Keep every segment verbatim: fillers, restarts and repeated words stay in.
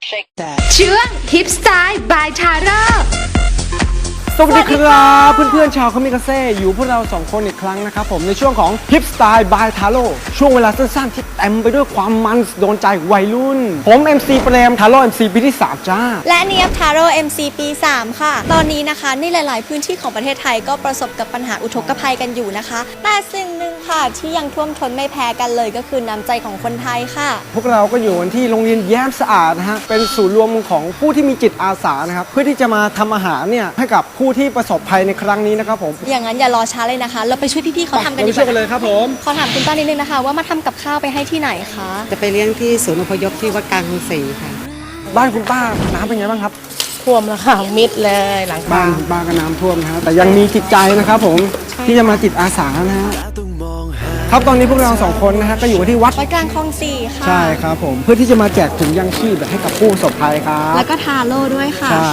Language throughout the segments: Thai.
ช่วงทิปสไตล์บายทาร่าสวัสดีครับเพื่อนๆชาวคามิกาเซ่อยู่พวกเราสองคนอีกครั้งนะครับผมในช่วงของ Hip Style by Taro ช่วงเวลาสั้นๆที่เต็มไปด้วยความมันโดนใจวัยรุ่นผม เอ็ม ซี เปรมทาโร่ เอ็ม ซี ปีที่สามจ้าและเนียบทาโร่ เอ็ม ซี ปี สาม ค่ะตอนนี้นะคะในหลายๆพื้นที่ของประเทศไทยก็ประสบกับปัญหาอุทกภัยกันอยู่นะคะแต่สิ่งหนึ่งค่ะที่ยังท่วมท้นไม่แพ้กันเลยก็คือน้ำใจของคนไทยค่ะพวกเราก็อยู่ที่โรงเรียนแย้มสะอาดนะฮะเป็นศูนย์รวมของผู้ที่มีจิตอาสานะครับเพื่อที่จะมาทำอาหารเนี่ยให้กับผู้ที่ประสบภัยในครั้งนี้นะครับผมอย่างนั้นอย่ารอช้าเลยนะคะเราไปช่วยพี่ๆเขาทำกันดีกว่าช่วยกันเลยครับผมขอถามคุณป้านิดนึงนะคะว่ามาทำกับข้าวไปให้ที่ไหนคะจะไปเลี้ยงที่ศูนย์อพยพที่วัดกลางกรุงศรีค่ะบ้านคุณป้าน้ำเป็นไงบ้างครับท่วมแล้วค่ะมิดเลยหลังบ้านบ้านก็น้ำท่วมนะฮะแต่ยังมีจิตใจนะครับผมที่จะมาจิตอาสานะฮะครับตอนนี้พวกเราสองคนนะฮะก็อยู่ที่วัดวัดกลางคลองสี่ค่ะใช่ครับผมเพื่อที่จะมาแจกถุงยังชีพให้กับผู้ประสบภัยครับแล้วก็ทาโร่ด้วยค่ะใช่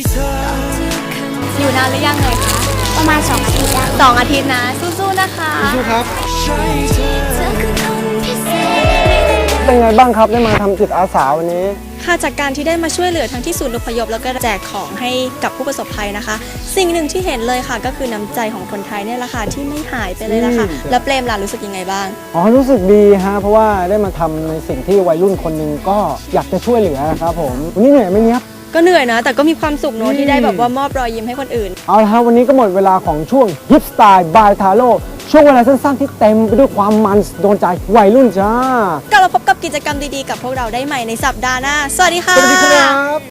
อยู่นานหรือยังเลยคะประมาณสองอาทิตย์สองอาทิตย์นะสู้ๆนะคะสู้ครับเป็นไงบ้างครับได้มาทำจิตอาสาวันนี้ค่ะจากการที่ได้มาช่วยเหลือทั้งที่ศูนย์อพยพแล้วก็แจกของให้กับผู้ประสบภัยนะคะสิ่งหนึ่งที่เห็นเลยค่ะก็คือน้ำใจของคนไทยเนี่ยแหละค่ะที่ไม่หายไปเลยละค่ะแล้วเปรมล่ะรู้สึกยังไงบ้างอ๋อรู้สึกดีฮะเพราะว่าได้มาทำในสิ่งที่วัยรุ่นคนหนึ่งก็อยากจะช่วยเหลือครับผมวันนี้เหนื่อยไหมเนี้ยก็เหนื่อยนะแต่ก็มีความสุขเนอะที่ได้แบบว่ามอบรอยยิ้มให้คนอื่นเอาละครับวันนี้ก็หมดเวลาของช่วง Hip Style by Taro ช่วงเวลาสั้นๆที่เต็มไปด้วยความมันโดนใจวัยรุ่นจ้ากลับมาพบกับกิจกรรมดีๆกับพวกเราได้ใหม่ในสัปดาห์หน้าสวัสดีค่ะสวัสดีครับ